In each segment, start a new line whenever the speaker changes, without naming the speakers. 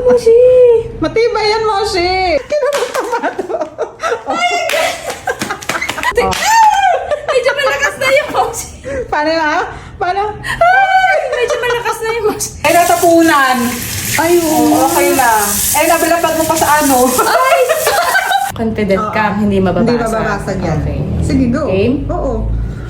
Moshi!
Matibay yan, Moshi!
Medyo malakas na yung Moshi.
Paano na? Paano?
Medyo malakas na yung Moshi.
Ay, natapunan!
Ay,
Oo, okay lang. Eh, nabilapag mo pa sa ano?
Ay! Confident ka, hindi mababasa.
Hindi mababasag yan.
Okay.
Sige, go.
Game?
Oo.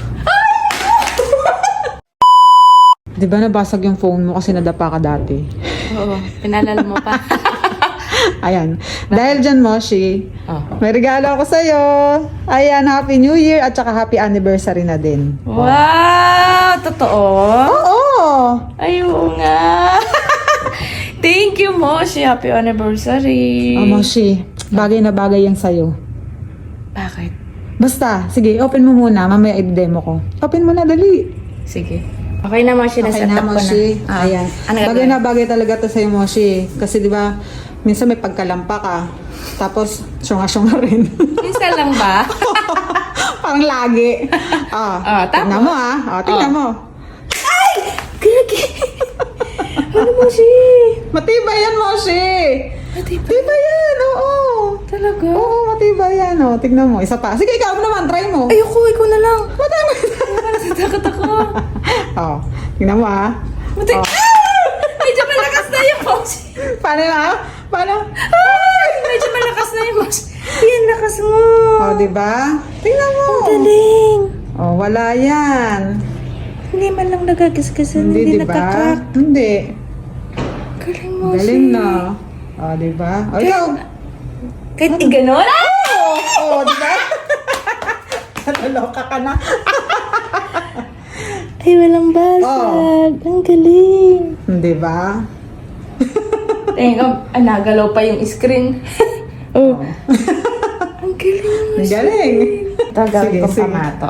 Di ba nabasag yung phone mo kasi nadapa ka dati?
Oo, pinalala mo pa.
Ayan. Dahil dyan, Moshi,
Oh.
may regalo ako sa'yo. Ayan, Happy New Year at saka Happy Anniversary na din.
Wow! Totoo?
Oo!
Ay, oo nga. Thank you, Moshi. Happy anniversary.
Oh, Moshi, bagay na bagay yan sa'yo.
Bakit?
Basta, sige, open mo muna. Mamaya i-demo ko. Open mo na, dali.
Sige. Okay na, Moshi.
Okay
Nasa
na,
tap ko
Moshi.
na.
Ayan.
Ano
Bagay
gagawin?
na bagay talaga to sa'yo, Moshi. Kasi di ba, minsan may pagkalampa ka. Tapos, syunga-syunga rin.
Minsan lang ba?
Parang lagi.
Ah, tapos?
Tingnan mo, tingnan mo.
Gagi. Ano, Moshi?
Matibay yan, Moshi. Matibay yan, oo.
Talaga?
Oo, matibay yan, Tingnan mo, isa pa. Sige, ikaw naman, try mo.
Ayoko, ikaw na lang.
Matibay.
Natatakot ako.
Tingnan mo,
Medyo malakas na yung Moshi.
Paano na? Paano?
Medyo malakas na yung Moshi. Yan, lakas mo.
Diba? Tingnan mo.
Galing.
Wala yan.
Hindi man lang nagagasgasan, hindi
diba?
nagkakrak.
Hindi.
Galing mo,
Galing na. Diba? Ikaw.
Kahit iganon?
Diba? Naloka ka na.
Ay, walang basag. Ang galing.
Diba?
Tingnan, nagalaw pa yung screen. Ang galing mo.
Ang galing.
Ito, gawin
Sige,
kong
sige.
pamato.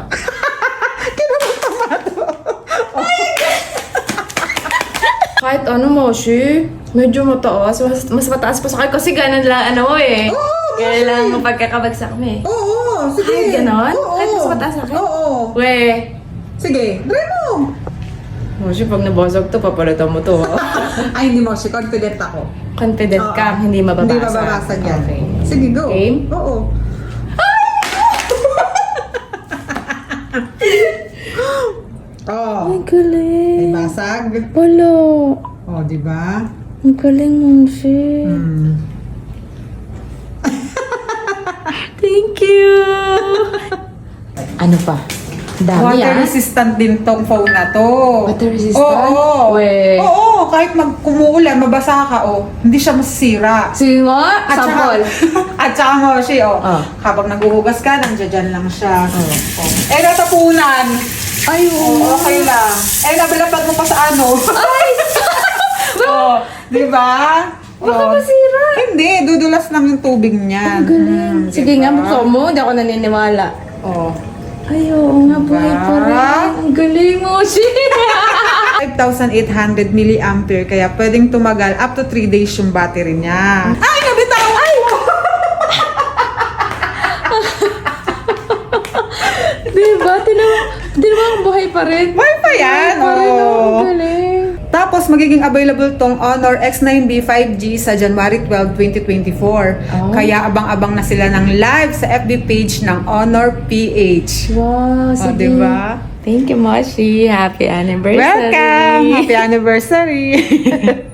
Kahit ano, Moshi, medyo mataas. Mas mataas pa sa akin kasi ganun lang ano eh. Kaya lang pagkakabagsak mo eh.
Oo, sige.
Kahit ganon?
Oo.
Kahit mas mataas sa akin?
Oo.
We,
Sige, try mo.
Moshi, pag nabasag to, papalitan mo to.
Ay, hindi mo. Confident ako.
Confident ka,
Oo.
hindi mababasa.
Hindi mababasag yan.
Okay.
Sige, go.
Game?
Oo.
Ang
May
galing.
basag.
Wala.
Di ba?
Ang galing, Moshi. Thank you. Ano pa? Dami
Water resistant din tong phone na to.
Water resistant?
Oo.
We.
Oo, kahit kumuulan, mabasa ka, hindi siya masisira.
Sige nga, sample.
At saka mo,
Ah.
habang naghuhugas ka, nandiyan lang siya. Eh, natapunan.
Ay, oo.
Okay lang. Eh, nabilapag mo pa sa ano.
Ay!
Di ba?
Baka masira.
Hindi, dudulas lang yung tubig niyan.
Ang galing. Sige nga, buksan mo. Hindi ako naniniwala. Ay, oo nga, buhay pa rin. Ang galing mo, shit!
5,800 milliampere, kaya pwedeng tumagal up to 3 days yung battery niya. Ay, nabitaw! Ay!
Diba? Diba ang buhay pa rin?
Buhay pa yan!
Buhay pa rin, ang galing.
Tapos, magiging available tong Honor X9B 5G sa January 12, 2024. Kaya abang-abang na sila ng live sa FB page ng Honor PH.
Wow, sige.
Diba?
Thank you, Moshi. Happy anniversary.
Welcome! Happy anniversary!